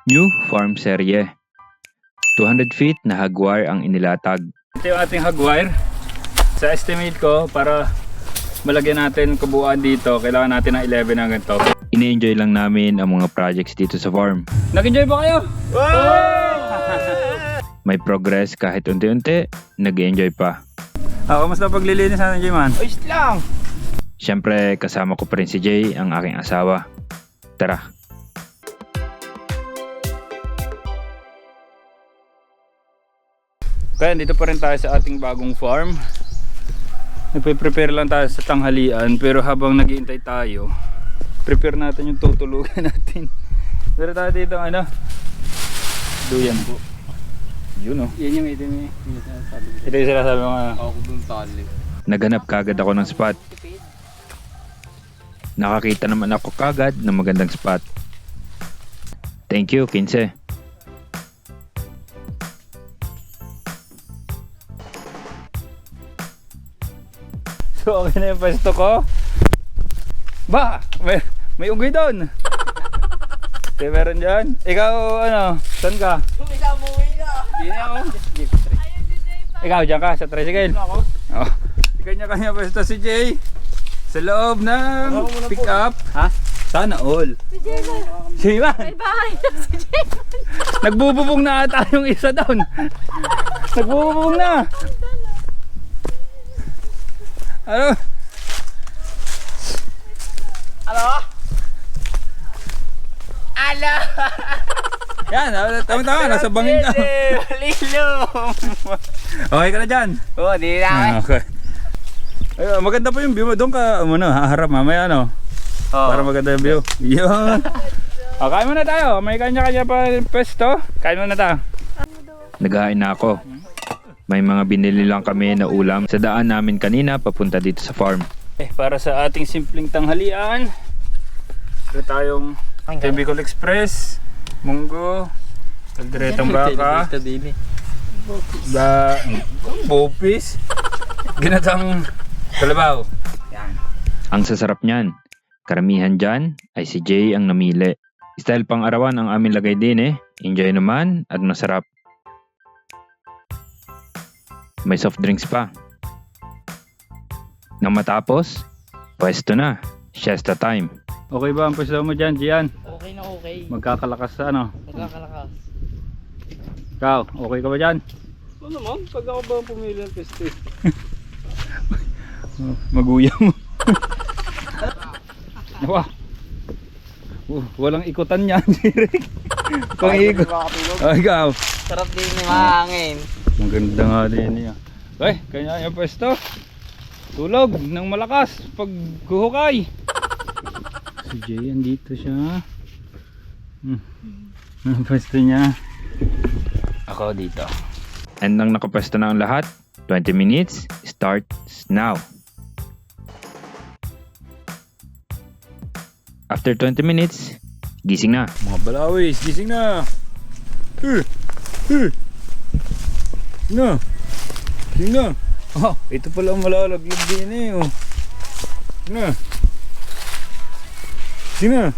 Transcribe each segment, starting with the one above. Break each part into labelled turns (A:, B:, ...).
A: New farm serye. 200 feet na hagwire ang inilatag. Ito yung ating hagwire. Sa estimate ko, para malagyan natin kabuuan dito, kailangan natin ng 11 na ganito. Ini-enjoy lang namin ang mga projects dito sa farm. Nag-enjoy ba kayo? May progress kahit unti-unti, nag-enjoy pa. Kamusta paglilinis natin, J-Man?
B: Ayos lang!
A: Siyempre, kasama ko pa rin si Jay, ang aking asawa. Tara! Kaya dito pa rin tayo sa ating bagong farm. Nagpe-prepare lang tayo sa tanghalian, pero habang naghihintay tayo, prepare natin yung tutulugan natin. Pero tayo dito duyan po. Yun oh.
B: Yan yung item eh.
A: Ito yung sinasabi mo
B: Ako dun tali.
A: Naghanap kagad ako ng spot. Nakakita naman ako kagad ng magandang spot. Thank you, Kinse. So okay na yung pwesto ko. Ba! May unggoy doon. Okay, meron dyan. Ikaw saan ka?
B: Ikaw umuwi na. Hindi na ako.
A: Ikaw dyan ka sa tricycle?
B: Ako.
A: Oh. Kanya-kanya pwesto si Jay. Sa loob ng pick up. Ha? Sana all.
C: Si Jayman.
A: Jayman!
C: May bahay na si Jayman.
A: Nagbububong na ata yung isa doon. Nagbububong na. Ano?
B: Ano? Ala!
A: Yan, tama-tama. Nasa bangin ka.
B: Lilom!
A: Okay ka na dyan?
B: Oo, di na.
A: Okay. Ay, maganda pa yung view mo. Doon ka haharap mamaya para maganda yung view. Yun. Kain muna tayo. May kanya-kanya pa pwesto. Kain muna tayo. Naghain na ako. May mga binili lang kami na ulam sa daan namin kanina papunta dito sa farm. Para sa ating simpleng tanghalian, ito tayong Bicol Express, munggo, kalderetang baka, bopis, ginatang kalabaw. Yan. Ang sasarap niyan. Karamihan dyan ay si Jay ang namili. Style pang arawan ang aming lagay din Enjoy naman at masarap. May soft drinks pa. Nang matapos, pwesto na. Siesta time. Okay ba ang pwesto mo dyan, Gian?
B: Okay na okay.
A: Magkakalakas
B: Magkakalakas.
A: Ikaw, okay ka ba dyan?
B: Ano naman? Pag ako ba ang pumili ng pwesto eh?
A: Maguya mo. Wah. Walang ikutan yan, Jirek. Kung ikot. Ikaw.
B: Sarap din yung mahangin.
A: Maganda nga din niya. Kanya yung pwesto. Tulog ng malakas pag guhukay. Si Jay, andito siya. Ang pwesto niya. Ako dito. And nang nakapwesto na ang lahat, 20 minutes starts now. After 20 minutes, gising na. Mga balawis, gising na. Gising na. Oh, ito pala ang malalaglag din oh. Gising na.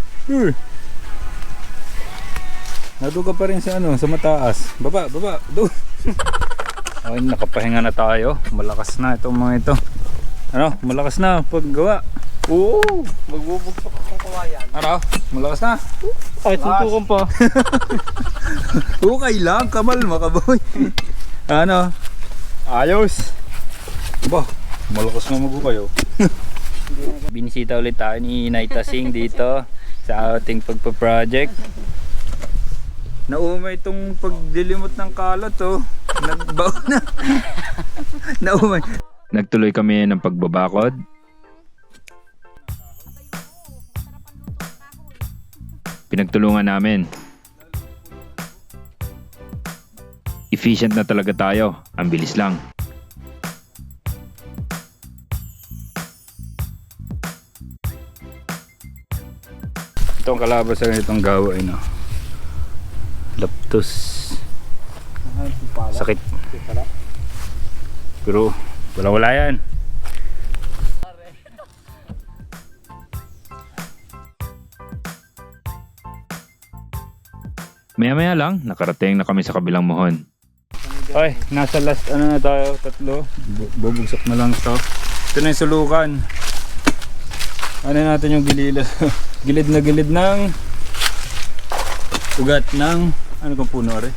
A: Naduga pa rin sa sa mataas. Baba. Doon. Okay, nakapahinga na tayo. Malakas na itong mga ito. Malakas na paggawa.
B: Oo! Magbubugsak akong kawayan.
A: Malakas na.
B: Ay, suntukan pa.
A: Okay lang, kamalma ka boy. Ayos. Malakas na kayo. Binisita ulit tayo ni Naita Singh dito sa ating pagpa-project. Naumay itong pagdilimot ng kalat Nagbaw na. Naumay. Nagtuloy kami ng pagbabakod. Pinagtulungan namin. Efficient na talaga tayo. Ang bilis lang. Itong kalaban sa ganitong gawain laptos. Sakit. Pero wala yan. Maya-maya lang, nakarating na kami sa kabilang muhon. Ay, nasa last ano na tayo, 3. Bubugsak na lang to. Ito na yung sulukan. Ano natin yung gilid na gilid ng ugat ng ano kung puno rin.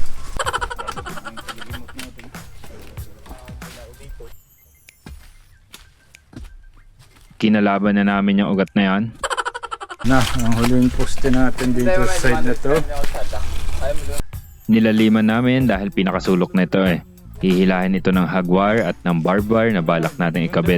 A: Kinalaban na namin yung ugat na yan. Na, ang huling poste natin dito sa side na to. Nilaliman namin dahil pinakasulok na ito eh. Hihilahin ito ng hagwar at ng barbed wire na balak natin ikabit.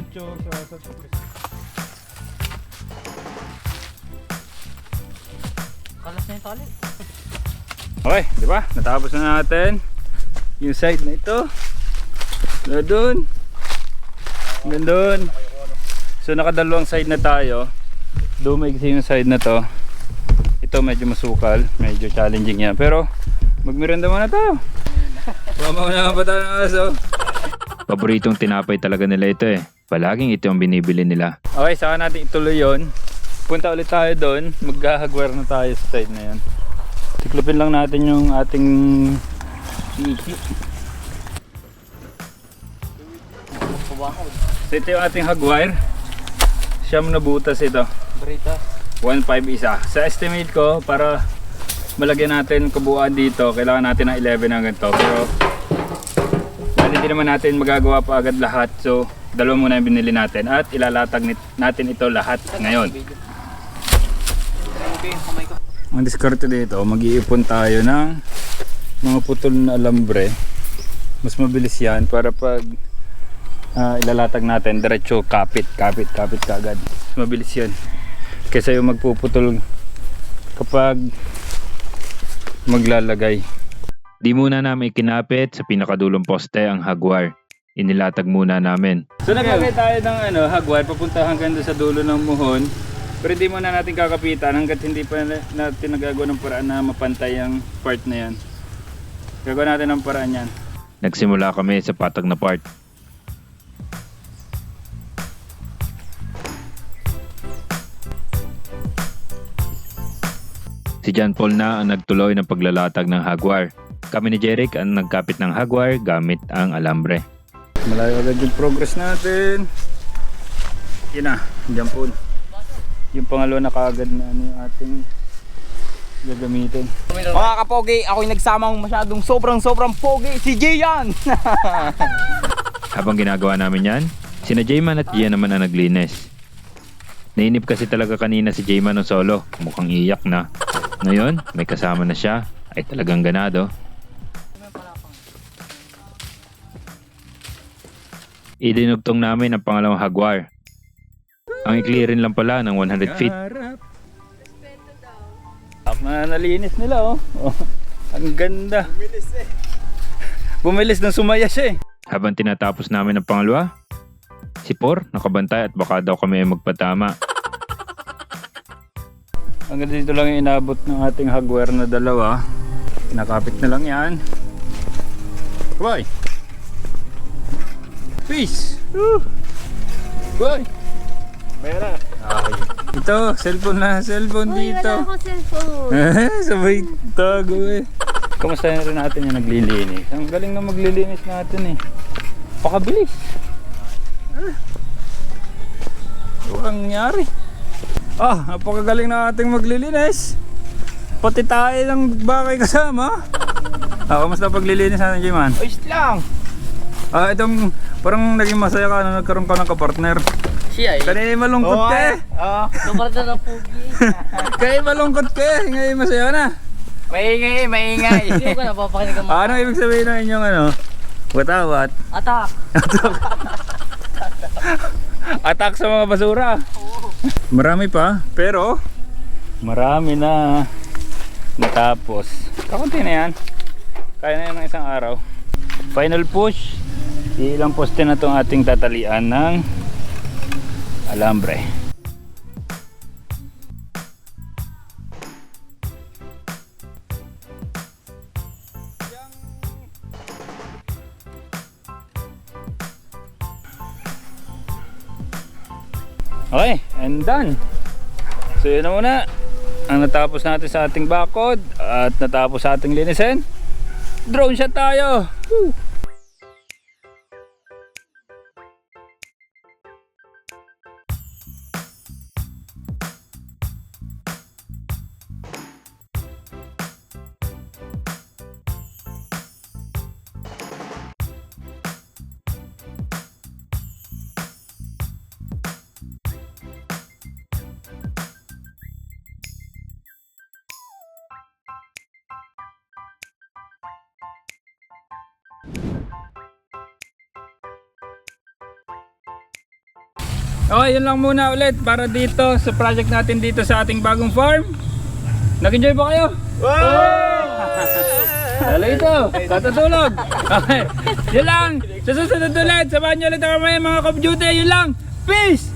B: Kalas na yung tali.
A: Okay, di ba? Natapos na natin yung side na ito. Doon. Hanggang doon. So nakadalawang side na tayo. Dumaigsi yung side na to. Ito medyo masukal, medyo challenging yan. Pero magmiranda muna tayo. Mamauna pa tayo ng aso. Paboritong tinapay talaga nila ito eh. Palaging ito ang binibili nila. Okay, saka natin ituloy yun. Punta ulit tayo doon. Maghahagwar na tayo sa side na yan. Tiklopin lang natin yung ating iki. So ito yung ating hagwire. Siyam na butas ito.
B: Brita.
A: 1.5 isa. Sa estimate ko, para malagyan natin kabuuan dito, kailangan natin ng 11 hanggang to. Pero hindi naman natin magagawa pa agad lahat. So, dalawa muna yung binili natin at ilalatag natin ito lahat ngayon. Ang diskarte dito, mag-iipon tayo ng mga putol na alambre. Mas mabilis yan para pag ilalatag natin, diretso kapit kaagad. Mas mabilis yan. Kaysa yung magpuputol kapag maglalagay. Di muna namin ikinapit sa pinakadulong poste ang hagwar. Inilatag muna namin. So naglagay tayo ng hagwar papunta hanggang doon sa dulo ng muhon. Pero hindi muna natin kakapitan hanggat hindi pa natin nagagawa ng paraan na mapantay ang part na yan. Gagawa natin ng paraan yan. Nagsimula kami sa patag na part. Si John Paul na ang nagtuloy ng paglalatag ng hagwar. Kami ni Jeric ang nagkapit ng hagwar gamit ang alambre. Malayo agad yung progress natin. Yun na, John Paul. Yung pangalawa na kaagad na yung ating gagamitin.
B: Mga kapogi, ako'y nagsamang masyadong sobrang pogi. Si Gian!
A: Habang ginagawa namin yan, sina Jayman at Gian naman ang naglinis. Nainip kasi talaga kanina si Jayman ng solo. Mukhang iyak na. Ngayon, may kasama na siya. Ay talagang ganado. Idinugtong namin ang pangalawang hagwar. Ang ikli rin lang pala ng 100 feet. Nalinis nila oh. Ang ganda. Bumilis nang sumaya siya eh. Habang tinatapos namin ang pangalawa, si Por nakabantay at baka daw kami ay magpatama. Hanggang dito lang yung inabot ng ating hagware na dalawa. Nakapit na lang yan. Bye! Peace! Bye!
B: Mayroon.
A: Ito, cellphone na. Cellphone dito.
C: Wala akong cellphone.
A: Sabay tago eh. Kamusta rin natin yung naglilinis? Ang galing na maglilinis natin eh. Pakabilis. Walang nangyari. Napakagaling na ating maglilinis. Pati tayo ng bakay kasama. Kamusta paglilinis natin, Jayman?
B: Ayos lang.
A: Itong parang naging masaya ka na nagkaroon ka ng kapartner.
B: Siya eh.
A: Kanina malungkot ka eh.
B: Lubar na ng pugi.
A: Kaya malungkot ka eh. Ngayon masaya na.
B: Maingay. Hindi ko napapakinig ang
A: Ano ibig sabihin ng inyong watawat?
B: atak.
A: Atak sa mga basura. Marami pa, pero marami na natapos. Kakunti na yan. Kaya na yan ng isang araw. Final push. Ilang poste na itong ating tatalian ng alambre. Okay, and done. So yun na muna. ang natapos natin sa ating bakod at natapos sa ating linisin. Drone shot tayo. Woo! Okay, yun lang muna ulit para dito sa project natin dito sa ating bagong farm. Nag-enjoy ba kayo? Dalo ito, katutulog. Okay, yun lang. Sa susunod ulit, samahan nyo ulit ako mga Call of Duty. Yun lang, peace!